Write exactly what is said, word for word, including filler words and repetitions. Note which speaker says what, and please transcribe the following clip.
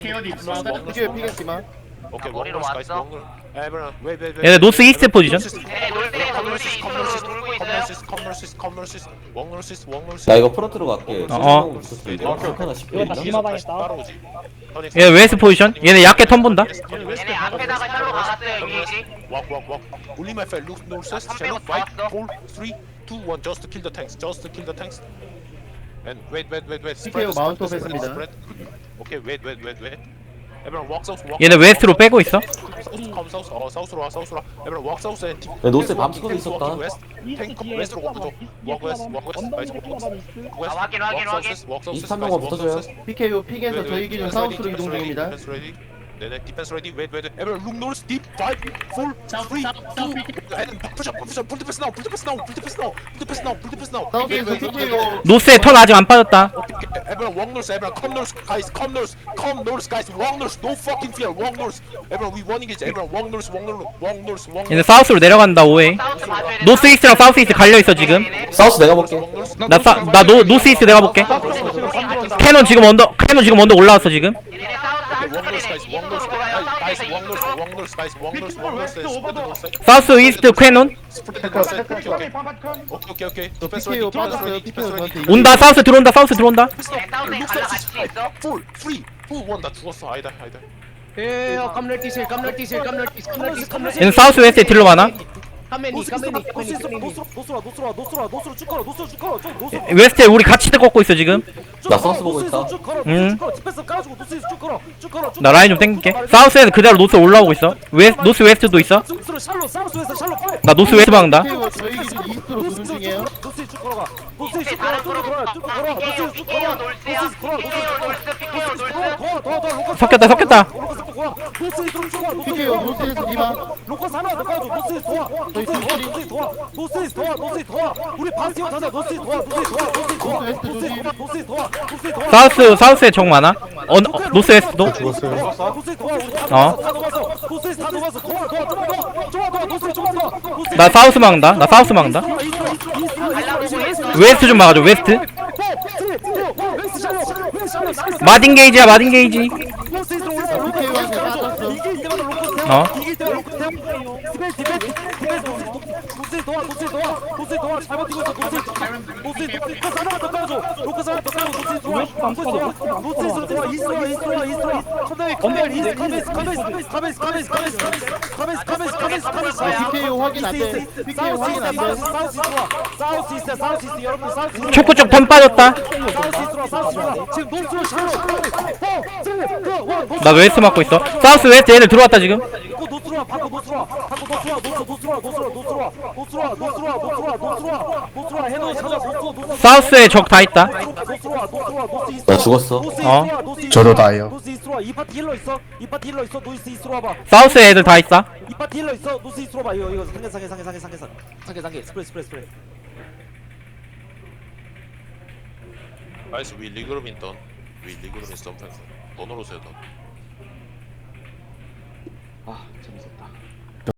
Speaker 1: 피겨 피겠지만.
Speaker 2: 오케이,
Speaker 3: 머리로
Speaker 2: 원글 스카이스
Speaker 3: 왔어?
Speaker 2: 원글. 에브라, 웨이 웨이 웨이.
Speaker 4: 얘네 노스 이스트 포지션.
Speaker 3: 네, 놀스에서 놀스 이스트로 돌고 있어요.
Speaker 2: 컴너시스 컴너시스 컴너시스 원글시스 원글시스.
Speaker 5: 나 이거 프론트로 갈게.
Speaker 4: 어, 어.
Speaker 5: 하나 십 분
Speaker 6: 이거 다 디마방에 있다.
Speaker 2: 따라오지.
Speaker 4: 얘 웨스트 포지션. 얘네 약게 턴 본다.
Speaker 3: 얘네 앞에다가 샬로 막았어요, 게이지.
Speaker 2: Walk, walk, walk. Only my friend. Look, north, south, channel. Five, four, three, two, one. Just to kill the tanks. Just to kill the tanks. And wait, wait, wait, wait. Spread,
Speaker 1: 피케오
Speaker 2: spread,
Speaker 1: 마운트
Speaker 2: spread,
Speaker 1: 오프했습니다.
Speaker 2: spread. Okay, wait, wait, wait, wait. Everyone walk south, walk.
Speaker 4: 얘네 웨스트로 빼고 있어.
Speaker 2: Come south. 어, south로 와, south로 와. Everyone walk south and.
Speaker 5: 야, 노스에 밤스쿼드 있었다.
Speaker 2: Tank west로 walk 줘. Walk west, walk west. Guys, walk west. West.
Speaker 3: 아, 확인, 확인,
Speaker 2: Walk
Speaker 3: 확인.
Speaker 2: south, walk south,
Speaker 5: 이스트 한
Speaker 2: guys,
Speaker 5: 명만
Speaker 2: walk
Speaker 5: 붙어줘요.
Speaker 2: south.
Speaker 1: 피케오 픽에서 저희 기준 사우스로 이동 중입니다.
Speaker 2: Defense ready. 네네, defense ready. Wait, wait. Everyone look north, deep. Five, four, three, two. And push up, push up. Pull the pass now. Pull the pass now. Pull the pass now. Pull the pass now. Pull the pass now.
Speaker 1: 사우스에서 피케오
Speaker 4: 노스에 턴 아직 안 빠졌다.
Speaker 2: Everyone walk north. Everyone come north, guys. Come north. Come north, guys. Walk north. No fucking fear. Walk north. Everyone we winning it. Everyone walk north. Walk north. Walk north. Walk
Speaker 4: 얘네
Speaker 2: north.
Speaker 4: 사우스로 내려간다. 오웨이.
Speaker 3: 사우스 봐줘야 돼.
Speaker 4: 노스 이스트랑 사우스 이스트 갈려 있어 지금.
Speaker 5: 사우스 내가 볼게.
Speaker 4: 나나노 노스 이스트 내가 볼게. 캐논 지금 언더 캐논 지금 언더 올라왔어 지금.
Speaker 3: 얘네 사우스 한
Speaker 2: Walk north,
Speaker 3: 스쿼드네.
Speaker 2: guys. Walk north.
Speaker 3: 이스트로 가요.
Speaker 2: Guys, walk
Speaker 3: 사우스에서
Speaker 2: north.
Speaker 3: 이스트로.
Speaker 2: Walk north, guys. Walk north. Walk north. Spread the north side.
Speaker 4: 사우스 이스트 캐논.
Speaker 2: Spread the north side. Okay, okay. Okay, okay, okay.
Speaker 1: 저
Speaker 2: Defense
Speaker 1: 피케오
Speaker 2: ready. Defense
Speaker 1: 빠졌어요.
Speaker 2: ready.
Speaker 1: 피케오
Speaker 2: Defense ready.
Speaker 1: 저한테
Speaker 4: 온다. 사우스 들어온다. 사우스 들어온다.
Speaker 3: 네, 사우스에 갈라 같이 있어.
Speaker 2: Four, three, two, one. 나 죽었어. 아니다, 아니다.
Speaker 7: 예, 깜놀 티실, 깜놀 티실, 깜놀 티실, 깜놀 티실, 깜놀 티실.
Speaker 4: 얘는 사우스 웨스트에 딜러 많아.
Speaker 7: 카메니, 카메니, 카메니, 카메니.
Speaker 8: 노스로 노스로 노스로 노스로 노스로 쭉 걸어 노스로 쭉 걸어 쭉 노스로
Speaker 4: 웨스트에 우리 같이 꺾고 있어 지금.
Speaker 5: 나 사우스 보고 있다.
Speaker 8: 쭉 걸어
Speaker 4: 응.
Speaker 8: 쭉 걸어 디펜스 깔아주고 노스에서 쭉 걸어 쭉 걸어 쭉
Speaker 4: 나 라인 좀 땡길게. 사우스에서 그대로 노스 올라오고 있어. 웨 노스 웨스트도 있어.
Speaker 8: 노스로 샬로 사우스에서 샬로 빨리
Speaker 4: 나 노스 웨스트 막는다.
Speaker 1: 피케오 저희 기준 이스트로 도는 중이에요.
Speaker 8: 노스에 쭉 걸어가 노스에
Speaker 3: 이제
Speaker 8: 쭉 걸어
Speaker 3: 다른
Speaker 8: 쭉
Speaker 3: 그룹
Speaker 8: 걸어 쭉 걸어
Speaker 3: 피케요,
Speaker 8: 노스에 쭉
Speaker 3: 피케요
Speaker 8: 걸어
Speaker 3: 놀스요.
Speaker 8: 노스에 걸어
Speaker 3: 피케요 놀스, 피케요 놀스.
Speaker 8: 더더더
Speaker 4: 섞였다, 섞였다.
Speaker 8: 노스에 쭉 걸어
Speaker 1: 피케오 노스에서 디마.
Speaker 8: 로커스 하나 더 까줘 노스에 도와 노스에 도와 노스에 도와 노스에 도와 노스에 도와 우리 바스티온 타자 노스에 도와 노스에 도와 노스에 도와 노스에 도와 노스에 도와 노스에 도와
Speaker 4: 사우스 사우스에 적 많아. 어, 어 노스 웨스트도.
Speaker 8: 노스에 도와 우리 다
Speaker 4: 어.
Speaker 8: 녹았어 다 녹았어 노스에 다 녹았어 도와 도와 도와 도와 도와 도와 노스에 좀 도와 노스에
Speaker 4: 나 사우스 막는다. 나 사우스 막는다. 웨스트 좀 막아줘. 웨스트. 마딘 게이지야. 마딘 게이지.
Speaker 1: 피케오한테 빠졌어.
Speaker 4: 어.
Speaker 8: 노스에 도와 노스에 도와 노스에 도와 잘 버티고 있어 노스에 노스에 로커스 하나 더 깔아줘 로커스 하나 더 깔아줘 노스에 도와 노스에 도와 노스에서 도와 이스트와 이스트와 이스트와 컴백 컴백 이스트 카베이스 카베이스 카베이스 카베이스 카베이스 카베이스 카베이스 카베이스 카베이스
Speaker 1: 피케오 확인 안 돼. 피케오 확인 안 돼.
Speaker 8: 사우스 이스트와 사우스 이스트 사우스 이스트 여러분 사우스 이스트
Speaker 4: 초코 쪽 턴 빠졌다.
Speaker 8: 사우스 이스트와 사우스 이스트와 지금 노스로 샬로
Speaker 4: 나 웨스트 막고 있어. 사우스 웨스트 얘들 들어왔다 지금.
Speaker 8: 바꿔 노스로 와 바꿔 노스로 와 바꿔 노스로 와 노스 노스로 와 노스로 노스로 와 노스로 와 노스로 와 노스로 와 노스로 와 노스로 와 해노 찾아 노스로 노스로
Speaker 4: 사우스에 적 다 있다.
Speaker 8: 노스로 와 노스로 와 노스 이스트
Speaker 5: 나 죽었어.
Speaker 4: 어.
Speaker 1: 저도 다예요.
Speaker 8: 노스 이스트로 와 이 파티 힐러 있어 이 파티 힐러 있어 노스 이스트로 와봐
Speaker 4: 사우스에 애들 다 있어.
Speaker 8: 이 파티 힐러 있어 노스 이스트로 봐 이거 이거 상계 상계 상계 상계 상계 상계 상계 스프레이 스프레이 스프레이
Speaker 2: Guys, we legal in done. We legal in sometimes. 돈으로 세다.
Speaker 7: 아, 재밌었다.